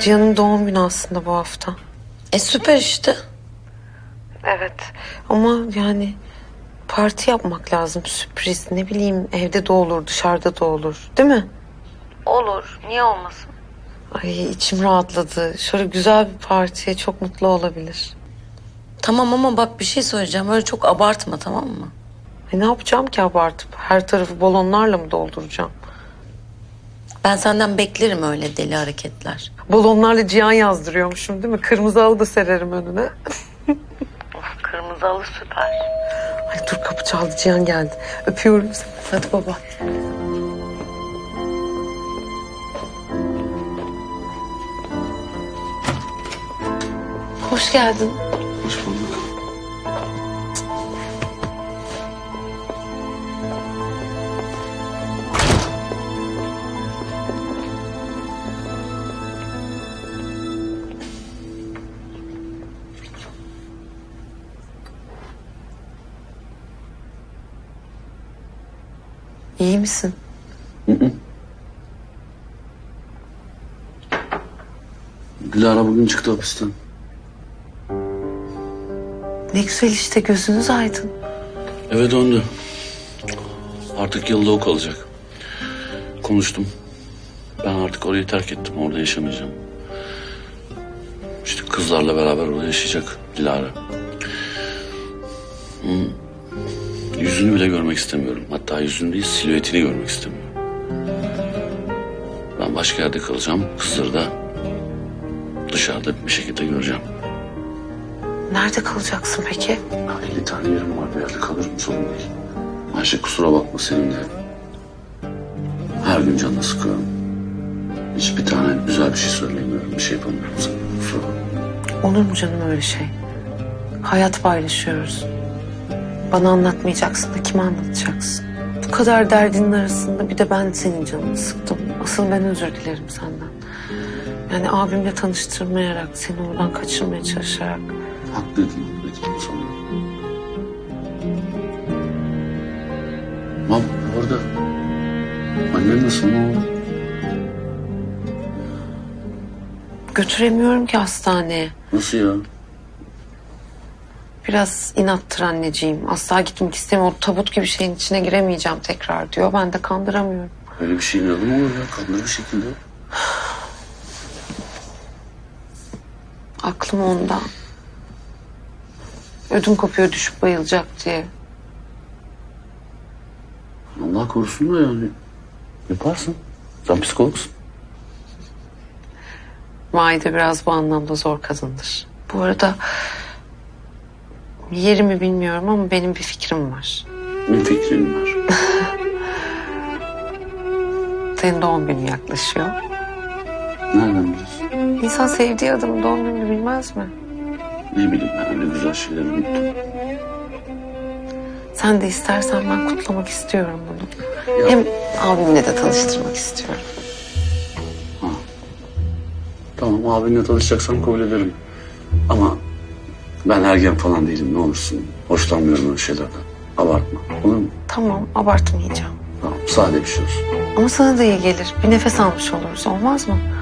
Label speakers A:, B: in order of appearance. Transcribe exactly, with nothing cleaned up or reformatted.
A: Cihan'ın doğum günü aslında bu hafta.
B: E süper işte.
A: Evet ama yani parti yapmak lazım, sürpriz. Ne bileyim, evde de olur, dışarıda da olur, değil mi?
B: Olur. Niye olmasın?
A: Ay, içim rahatladı. Şöyle güzel bir partiye çok mutlu olabilir.
B: Tamam ama bak bir şey söyleyeceğim. Öyle çok abartma, tamam mı?
A: E ne yapacağım ki abartıp? Her tarafı balonlarla mı dolduracağım?
B: Ben senden beklerim öyle deli hareketler.
A: Balonlarla Cihan yazdırıyormuşum değil mi? Kırmızı halı da sererim önüne.
B: Of, kırmızı halı süper.
A: Ay dur, kapı çaldı, Cihan geldi. Öpüyorum seni. Hadi baba. Hoş geldin.
C: Hoş bulduk.
A: İyi misin?
C: Hı hı. Dilara bugün çıktı hapisten.
A: Ne güzel işte, gözünüz aydın.
C: Eve döndü. Artık yılda o kalacak. Konuştum. Ben artık orayı terk ettim. Orada yaşamayacağım. İşte kızlarla beraber orada yaşayacak Dilara. Hmm. Yüzünü bile görmek istemiyorum. Hatta yüzünü değil, silüetini görmek istemiyorum. Ben başka yerde kalacağım. Kızları da dışarıda bir şekilde göreceğim.
A: Nerede kalacaksın peki?
C: Ya elli tane yerim var, bir yerde kalırım, sorun değil. Ayşe kusura bakma, senin de her gün canını sıkıyorum. Hiçbir tane güzel bir şey söyleyemiyorum, bir şey yapamıyorum sana. Kusura bakma.
A: Olur mu canım öyle şey? Hayat paylaşıyoruz. Bana anlatmayacaksın da kime anlatacaksın? Bu kadar derdinin arasında bir de ben senin canını sıktım. Asıl ben özür dilerim senden. Yani abimle tanıştırmayarak, seni oradan kaçırmaya çalışarak.
C: Haklıydın, haklıydın sonra. Ama bu arada annen nasıl, ne oldu?
A: Götüremiyorum ki hastaneye.
C: Nasıl ya?
A: Biraz inattır anneciğim. Asla gitmek istemiyor. O tabut gibi şeyin içine giremeyeceğim tekrar diyor. Ben de kandıramıyorum.
C: Öyle bir şeyin adı mı olur ya? Kanlı bir şekilde.
A: Aklım onda. Ödüm kopuyor düşüp bayılacak diye.
C: Allah korusun da yani. Yaparsın. Sen psikologsun.
A: Maide biraz bu anlamda zor kadındır. Bu arada yerimi bilmiyorum ama benim bir fikrim var.
C: Ne fikrin var?
A: Senin doğum günün yaklaşıyor.
C: Nereden biliyorsun?
A: İnsan sevdiği adamın doğum gününü bilmez mi?
C: Ne bileyim, ben öyle güzel şeyleri unuttum.
A: Sen de istersen ben kutlamak istiyorum bunu.
C: Ya.
A: Hem abimle de tanıştırmak istiyorum.
C: Ha. Tamam, abinle tanışacaksam kabul ederim. Ama ben ergen falan değilim, ne olursun. Hoşlanmıyorum öyle şeylerden. Abartma, olur mu?
A: Tamam, abartmayacağım.
C: Tamam, sade bir şey olsun.
A: Ama sana da iyi gelir. Bir nefes almış oluruz, olmaz mı?